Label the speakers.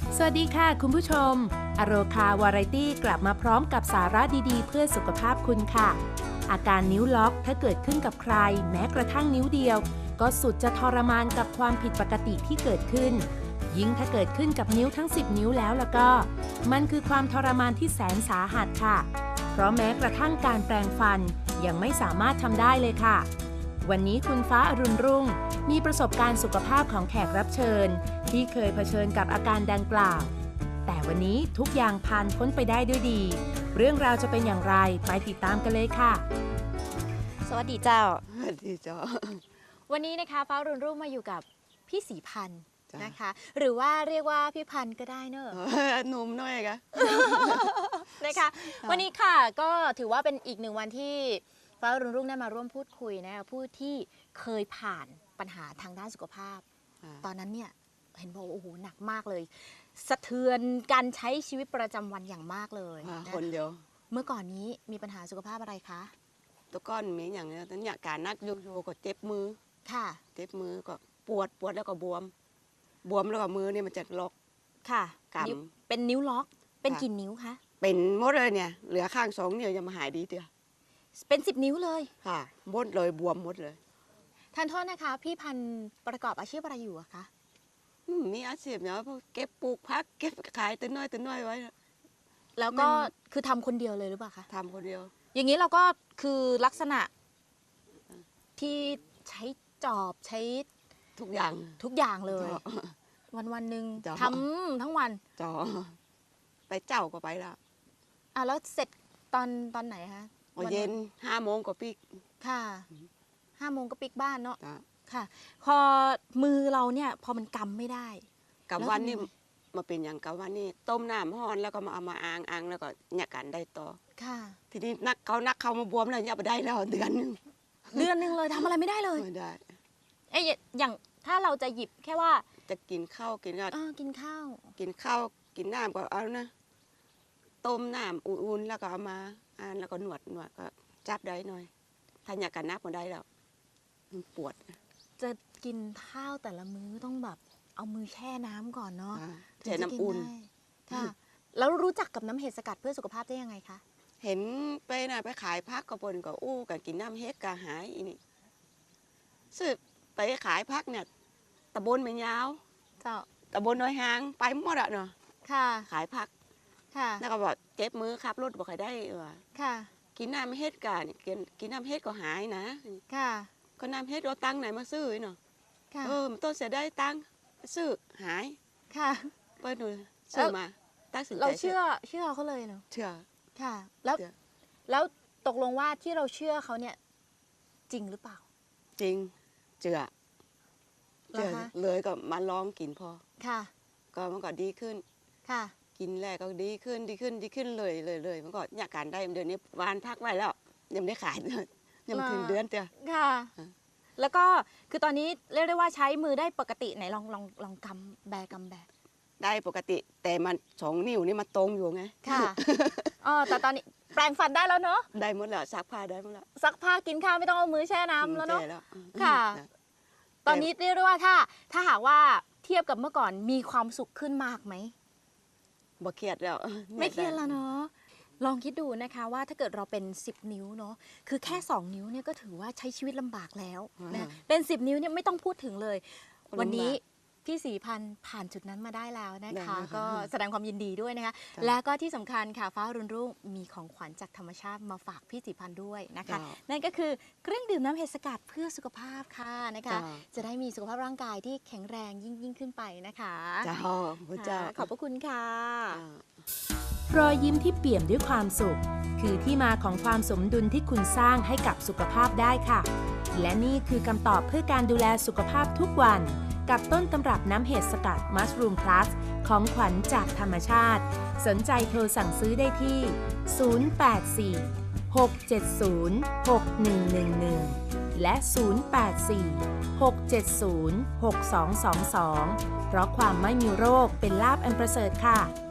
Speaker 1: สวัสดีค่ะคุณผู้ชมอโรคาวาไรตี้กลับมาพร้อมกับสาระดีๆเพื่อสุขภาพคุณค่ะอาการนิ้วล็อกถ้าเกิดขึ้นกับใครแม้กระทั่งนิ้วเดียวก็สุดจะทรมานกับความผิดปกติที่เกิดขึ้นยิ่งถ้าเกิดขึ้นกับนิ้วทั้ง10นิ้วแล้วก็มันคือความทรมานที่แสนสาหัสค่ะเพราะแม้กระทั่งการแปรงฟันยังไม่สามารถทำได้เลยค่ะวันนี้คุณฟ้าอรุณรุ่งมีประสบการณ์สุขภาพของแขกรับเชิญที่เคยเผชิญกับอาการดังกล่าวแต่วันนี้ทุกอย่างผ่านพ้นไปได้ด้วยดีเรื่องราวจะเป็นอย่างไรไปติดตามกันเลยค่ะ
Speaker 2: สวัสดีเจ้า
Speaker 3: สวัสดีจ้า
Speaker 2: วันนี้นะคะฟ้ารุ่นรุ่งมาอยู่กับพี่ศรีพันธ์
Speaker 3: จ้ะ
Speaker 2: นะคะ หรือว่าเรียกว่าพี่พันธ์ก็ได้เนอะ
Speaker 3: หนุ่มหน่อยกะ
Speaker 2: นะคะ วันนี้ค่ะก็ถือว่าเป็นอีกหนึ่งวันที่ฟ้ารุ่นรุ่งได้มาร่วมพูดคุยนะคะผู้ที่เคยผ่านปัญหาทางด้านสุขภาพ ตอนนั้นเนี่ยเห็นบอกว่าโอ้โหหนักมากเลย สะเทือนการใช้ชีวิตประจำวันอย่างมากเลยนะ
Speaker 3: คนเดียว
Speaker 2: เมื่อก่อนนี้มีปัญหาสุขภาพอะไรคะ
Speaker 3: ตัวก้อนมีอย่างเนี้ยแต่เนี่ยการนักโยโย่ก็เจ็บมือ
Speaker 2: ค่ะ
Speaker 3: เจ็บมือก็ปวดแล้วก็บวมแล้วก็มือเนี่ยมันจะล็อก
Speaker 2: ค่ะ
Speaker 3: กำ
Speaker 2: นิ้วเป็นนิ้วล็อกเป็น
Speaker 3: ค่ะ
Speaker 2: กี่นิ้วคะ
Speaker 3: เป็นหมดเลยเนี่ยเหลือข้าง2 นิ้วยังมาหายดีเดียว
Speaker 2: เป็น10 นิ้วเลย
Speaker 3: ค่ะหมดเลยบวมหมดเลย
Speaker 2: ทานโทษนะคะพี่พันธ์ประกอบอาชีพอะไรอยู่อะคะ
Speaker 3: มีอาชีพเนี่ยพวกเก็บปลูกพักเก็บขายตัวน้อยไว้
Speaker 2: แล้วก็
Speaker 3: มัน
Speaker 2: คือทำคนเดียวเลยหรือเปล่าคะ
Speaker 3: ทำคนเดียว
Speaker 2: อย่างนี้เราก็คือลักษณะที่ใช้จอบใช้
Speaker 3: ทุกอย่าง
Speaker 2: ทุกอย่างเลย
Speaker 3: จ้ะ
Speaker 2: วันหนึ่ง
Speaker 3: จ้ะ
Speaker 2: ทำทั้งวัน
Speaker 3: จอไปเจ้าก็ไปแล้ว
Speaker 2: อ่ะแล้วเสร็จตอนไหนคะ
Speaker 3: พอเย็น5 โมงก็ปิก
Speaker 2: ค่ะ5 โมงก็ปิกบ้านเนาะ
Speaker 3: จ้ะ
Speaker 2: ค่ะ พอมือเราเนี่ยพอมันกำไม่ได้
Speaker 3: กับ
Speaker 2: แล้ว
Speaker 3: วัน
Speaker 2: ทำ
Speaker 3: นี้
Speaker 2: ยังไง
Speaker 3: มาเป็นอย่างกับวันนี้ต้มน้ำห้อนแล้วก็มาเอามาอ่างแล้วก็เนี่ยกันได้ต่อ
Speaker 2: ค่ะ
Speaker 3: ทีนี้นักเขามาบวมแล้วเนี่ยไปได้แล้วเดือนหนึง
Speaker 2: เดือนหนึ่งเลยทำอะไรไม่ได้เลย
Speaker 3: ไม่ได้
Speaker 2: เอ้ยอย่างถ้าเราจะหยิบแค่ว่า
Speaker 3: จะกินข้าวกินก็
Speaker 2: กินข้าว
Speaker 3: กินข้าวกินน้ำก็เอานะต้มน้ำอุ่นๆแล้วก็เอามาอ่านแล้วก็นวดก็จับได้หน่อยถ้าอยากกันนับมาได้แล้วมันปวด
Speaker 2: จะกินข้าวแต่ละมื้อต้องแบบเอามือแช่น้ำก่อนเนาะ
Speaker 3: แช่น้ำอุ่น
Speaker 2: ถึงจะกิได้ค่ะ แล้วรู้จักกับน้ำเห็ดสกัดเพื่อสุขภาพได้ยังไงคะ
Speaker 3: เห็นไปนะไปขายพักกระปนก็อู้กันกินน้ำเฮ็ดกะหายอีนี่ซื้อไปขายพักเนี่ยตะบนไม่ยาว
Speaker 2: เจ้า
Speaker 3: ตะบนน้อยหางไปหมดอะเนาะ
Speaker 2: ค่ะ
Speaker 3: ขายผัก
Speaker 2: ค่ะ
Speaker 3: แล้วก็บอกเจ็บมือขับรถบอกใครได้ว่า
Speaker 2: ค่ะ
Speaker 3: กินน้ำเฮ็ดกันกินน้ำเฮ็ดก็หายนะ
Speaker 2: ค่ะ
Speaker 3: ก็น้ำเฮ็ดเราตังค์ไหนมาซื้อเนาะ
Speaker 2: ค่ะ
Speaker 3: มันต้นเสียได้ตังค์ซื้อหาย
Speaker 2: ค่ะ
Speaker 3: เปิดดูซื้อมาตัดสินใจ
Speaker 2: เราเชื่อเขาเลยเนาะ
Speaker 3: เชื่อ
Speaker 2: ค่ะ แล้ว
Speaker 3: เชื่อ
Speaker 2: แล้วตกลงว่าที่เราเชื่อเขาเนี่ยจริงหรือเปล่า
Speaker 3: จริงเชื่อ
Speaker 2: เหรอคะ
Speaker 3: เลยก็มาลองกินพอ
Speaker 2: ค่ะ
Speaker 3: ก็มันก็ดีขึ้น
Speaker 2: ค่ะ
Speaker 3: กินแรกก็ดีขึ้นเลยมันก็อยากการได้เดือนนี้วานพักไว้แล้วยังไม่ได้ขายเลยยังไม่ถึงเดือนเดียว
Speaker 2: ค่ะ
Speaker 3: อ่ะ
Speaker 2: แล้วก็คือตอนนี้เรียกได้ว่าใช้มือได้ปกติไหนลองกำแบ
Speaker 3: ได้ปกติ แต่มัน2 นิ้วนี่มันตรงอยู่ไง
Speaker 2: ค่ะ อ๋อแต่ตอนนี้แปรงฟันได้แล้วเนาะ
Speaker 3: ได้หมดแล้วซักผ้าได้หมดแล้ว
Speaker 2: ซักผ้ากินข้าวไม่ต้องเอามือแช่น้ำแล้วเนาะ
Speaker 3: แก่แล้ว
Speaker 2: ค่ะ
Speaker 3: จ้
Speaker 2: ตอนนี้เรียกได้ว่าถ้าหากว่าเทียบกับเมื่อก่อนมีความสุขขึ้นมากไหม
Speaker 3: บ่เครียดแล้ว
Speaker 2: ไม่เครียดแล้วเนาะ ลองคิดดูนะคะว่าถ้าเกิดเราเป็น 10 นิ้วเนาะ คือแค่ 2 นิ้วเนี่ยก็ถือว่าใช้ชีวิตลำบากแล้วนะเป็น 10 นิ้วเนี่ยไม่ต้องพูดถึงเลย วันนี้พี่ศรีพันธ์ผ่านจุดนั้นมาได้แล้วนะคะ ก็แสดงความยินดีด้วยนะคะ และก็ที่สำคัญค่ะฟ้ารุ่นรุ่งมีของขวัญจากธรรมชาติมาฝากพี่ศรีพันธ์ด้วยนะคะ นั่นก็คือเครื่องดื่มน้ำเห็ดสกัดเพื่อสุขภาพค่ะนะคะ จะได้มีสุขภาพร่างกายที่แข็งแรงยิ่งขึ้นไปนะคะ
Speaker 3: เจ้าพระเจ้า
Speaker 2: ขอบพระคุณค่ะ
Speaker 1: รอยยิ้มที่เปี่ยมด้วยความสุข คือที่มาของความสมดุลที่คุณสร้างให้กับสุขภาพได้ค่ะ และนี่คือคำตอบเพื่อการดูแลสุขภาพทุกวัน กับต้นตำรับน้ำเห็ดสกัด Mushroom Plus ของขวัญจากธรรมชาติ สนใจโทรสั่งซื้อได้ที่ 084 670 6111 และ 084 670 6222 เพราะความไม่มีโรคเป็นลาภอันประเสริฐค่ะ